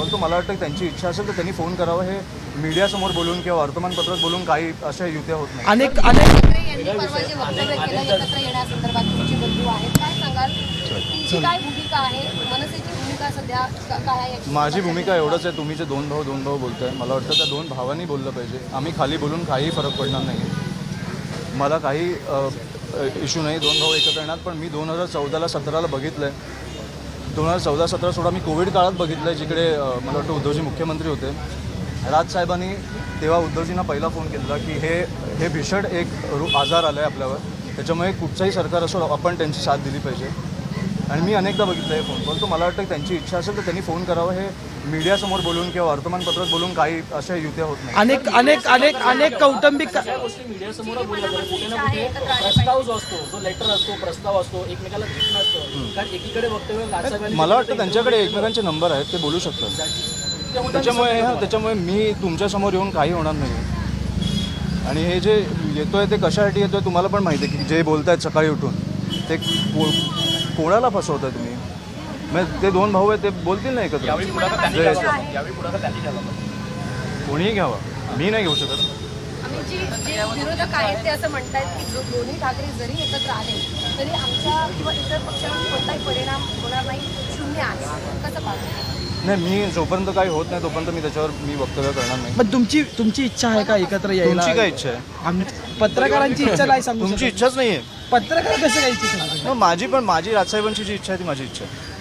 परंतु मला वाटतं की त्यांची इच्छा असेल तर त्यांनी फोन करावं. हे मीडियासमोर बोलून किंवा वर्तमानपत्रात बोलून काही अशा युत्या होत नाही. अनेक यांनी परवा जे वक्तव्य केलं एकत्र येण्यासंदर्भात तुमचे बंधू आहेत, काय सांगाल? तुमची काय भूमिका आहे? मनसेची भूमिका सध्या काय आहे? माझी भूमिका एवढंच आहे, तुम्ही जे दोन भाऊ बोलताय, मला वाटतं त्या दोन भावांनी बोललं पाहिजे. आम्ही खाली बोलून काही फरक पडणार नाही. मला काही इश्यू नाही, दोन भाऊ एकत्र येणार. पण मी 2014-17 बघितलं आहे. 2014-17 सोडा मी कोविड काळात बघितलं आहे, जिकडे मला वाटतं उद्धवजी मुख्यमंत्री होते. राजसाहेबांनी तेव्हा उद्धवजींना पहिला फोन केला की हे भीषण एक आजार आला आहे आपल्यावर, त्याच्यामुळे कुठचंही सरकार असो आपण त्यांची साथ दिली पाहिजे. आणि मी अनेकदा बघितलं आहे फोन कॉल. तो मला वाटतं की त्यांची इच्छा असेल तर त्यांनी फोन करावं. हे मीडियासमोर बोलून किंवा वर्तमानपत्रात बोलून काही अशा युत्या होत नाही. अनेक कौटुंबिक गोष्टी मीडियासमोर बोलल्या जातात. कुठे ना कुठे प्रस्ताव जो असतो, जो लेटर असतो, प्रस्ताव असतो, एकमेकाला भेटणं असतं. कारण एकीकडे वक्तव्य राजसाहेबांनी, मला वाटतं त्यांच्याकडे एकमेकांचे नंबर आहेत, ते बोलू शकतात. त्याच्यामुळे मी तुमच्यासमोर येऊन काही होणार नाही. आणि हे जे येतोय ते कशासाठी येतोय तुम्हाला पण माहिती आहे की जे बोलतायत सकाळी उठून ते कोणाला फसवताय तुम्ही. मग ते दोन भाऊ आहेत, ते बोलतील नाही एकत्र. कोणीही घ्यावा, मी नाही घेऊ शकत. आम्ही जे विरोधक आहेत ते असं म्हणतायत की दोन्ही ठाकरे जरी एकत्र आले तरी आमच्या किंवा इतर पक्षांवर कोणताही परिणाम होणार नाही, शून्य आहे. कसं पाहतो? नाही, मी जोपर्यंत काही होत नाही तोपर्यंत मी त्याच्यावर वक्तव्य करणार नाही. पण तुमची इच्छा आहे का एकत्र यायला? तुमची काय इच्छा आहे? पत्रकारांची इच्छा नाही सांगू तुमची शकत. इच्छाच नाही आहे. पत्रकार कसं काय इच्छा सांगू शकत? माझी राजसाहेबांची जी इच्छा आहे ती माझी इच्छा आहे.